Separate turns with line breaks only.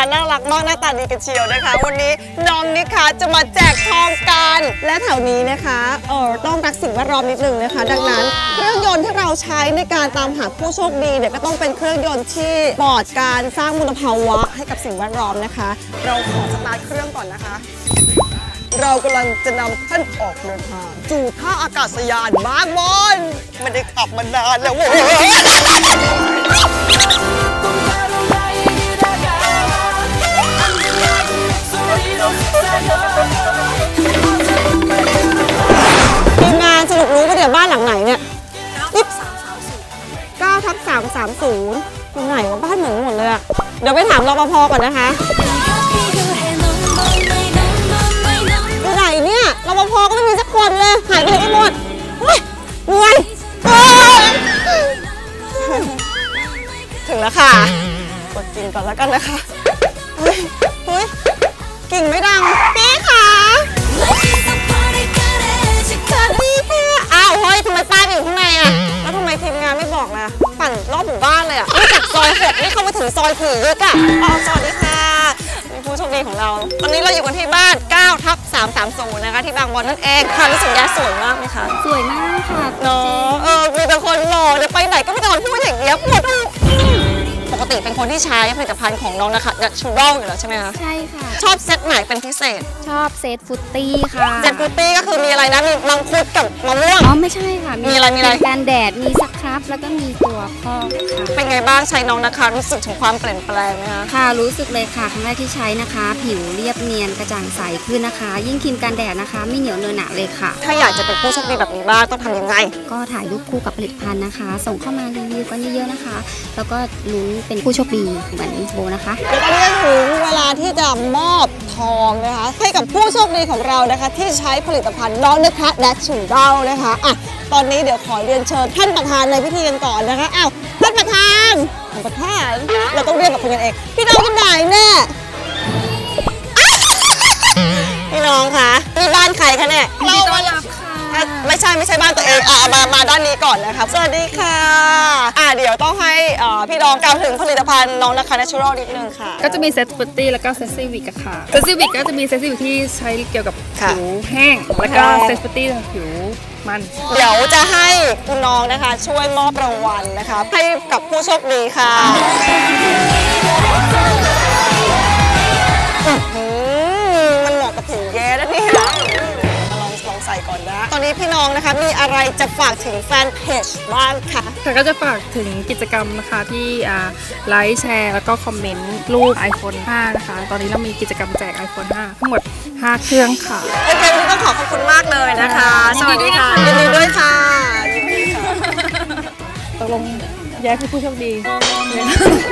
านน่ารักมากหน้าตาดีกันเชียวนะคะวันนี้น้องนิคะจะมาแจกทองกันและแถวนี้นะคะต้องรักสิ่งแวดล้อมนิดนึงนะคะดังนั้นเครื่องยนต์ที่เราใช้ในการตามหาผู้โชคดีเนี่ยก็ต้องเป็นเครื่องยนต์ที่ปลอดการสร้างมลภาวะให้กับสิ่งแวดล้อมนะคะเราขอสตาร์ทเครื่องก่อนนะคะเรากำลังจะนำท่านออกเดินทางสู่ท่าอากาศยานบางบอนไม่ได้ขับมานานแล้วเว้ยทีมงานสรุปรู้ว่าเดี๋ยวบ้านหลังไหนเนี่ย9/330ตรงไหนว่าบ้านเหมือนหมดเลยอะเดี๋ยวไปถามรปภก่อนนะคะอยู่ไหนเนี่ยรปภก็ไม่มีสักคนเลยหายไปไหนกันหมดเหนื่อยถึงแล้วค่ะกดกิ่งก่อนแล้วกันนะคะเฮ้ยกิ่งไม่ดังพี่คะสวัสดีค่ะอ้าวเฮ้ยทำไมป้าอยู่ข้างในอะแล้วทำไมทีมงานไม่บอกล่ะปั่นรอบหมู่บ้านเลยอะนี่จากซอย6นี่เข้ามาถึงซอย4เลยอะสวัสดีค่ะผู้โชคดีของเราตอนนี้เราอยู่กันที่บ้าน9/330นะคะที่บางบอนนั่นเองค่ะรู้สึกยาสวยมากไหมคะ
สวยมากค่ะ
เนาะมีแต่คนหล่อเดี๋ยวไปไหนก็ไม่ต้องพูดอย่างเงี้ยปกติเป็นคนที่ใช้ผลิตภัณฑ์ของน้องนะคะชูรัลอยู่แล้วใช่ไหมคะ
ใช่ค่ะ
ชอบเซตไหนเป็นพิเศษ
ชอบเซตฟุตตี้ค่ะ
เซตฟุตตี้ก็คือมีอะไรนะมีมังคุดกับมะม่วง
ไม่ใช่ค่ะ
มีอะไร
การแดดมีสครับแล้วก็มีตัวพอกค่ะ
เป็นไงบ้างใช้น้องนะคะรู้สึกถึงความเปลี่ยนแปลงไหมคะ
ค่ะรู้สึกเลยค่ะครั้งแรกที่ใช้นะคะผิวเรียบเนียนกระจ่างใสขึ้นนะคะยิ่งครีมกันแดดนะคะไม่เหนียวเนอะหนะเลยค่ะ
ถ้าอยากจะเป็นผู้โชคดีแบบนี้บ้างต้องทำยังไง
ก็ถ่ายรูปคู่กับผลิตภัณฑ์นะคะส่งเข้ามารีวิวกันเยอะๆนะคะแล้วก็ลุ้นเป็นผู้โชคดีเหมือนโบนะคะ
แล้วตอนนี้ถึงเวลาที่จะมอบทองนะคะให้กับผู้โชคดีของเรานะคะที่ใช้ผลิตภัณฑ์น้องนะคะแดชชูเดานะคะตอนนี้เดี๋ยวขอเรียนเชิญท่านประธานในพิธีกันก่อนนะคะท่านประธานเราต้องเรียกกับคุณกันเองพี่น้องกันไหนแน่พี่น้องคะนี่บ้านใครคะเนี่ย
เรามารับค่ะ
ไม่ใช่บ้านตัวเองมาด้านนี้ก่อนนะครับสวัสดีค่ะเดี๋ยวต้องให้พี่น้องกล่าวถึงผลิตภัณฑ์น้องนะคะ Natural นิดนึงค่ะ
ก็จะมีเซตฟุตตี้แล้วก็เซตซีวิกค่ะเซตซีวิกก็จะมีเซตซีวิกที่ใช้เกี่ยวกับผิวแห้งแล้วก็เซตฟุตตี้ผิวมัน
เดี๋ยวจะให้คุณน้องนะคะช่วยมอบรางวัลนะคะให้กับผู้โชคดีค่ะมันเหมาะกับผิวแย่นะเนี่ยลองใส่ก่อนนะตอนนี้พี่น้องนะคะมีอะไรจะฝากถึงแฟนเพจบ้างคะ
ก็จะฝากถึงกิจกรรมนะคะที่ไลค์แชร์แล้วก็คอมเมนต์รูป iPhone 5 นะคะตอนนี้เรามีกิจกรรมแจก iPhone 5 ทั้งหมด5 เครื่องค่ะ
โอเควันนี้ต้องขอบคุณมากเลยนะคะสวัสดีค่ะยินดีด้วยค่ะ
ตกลงแย่คือผู้โชคดี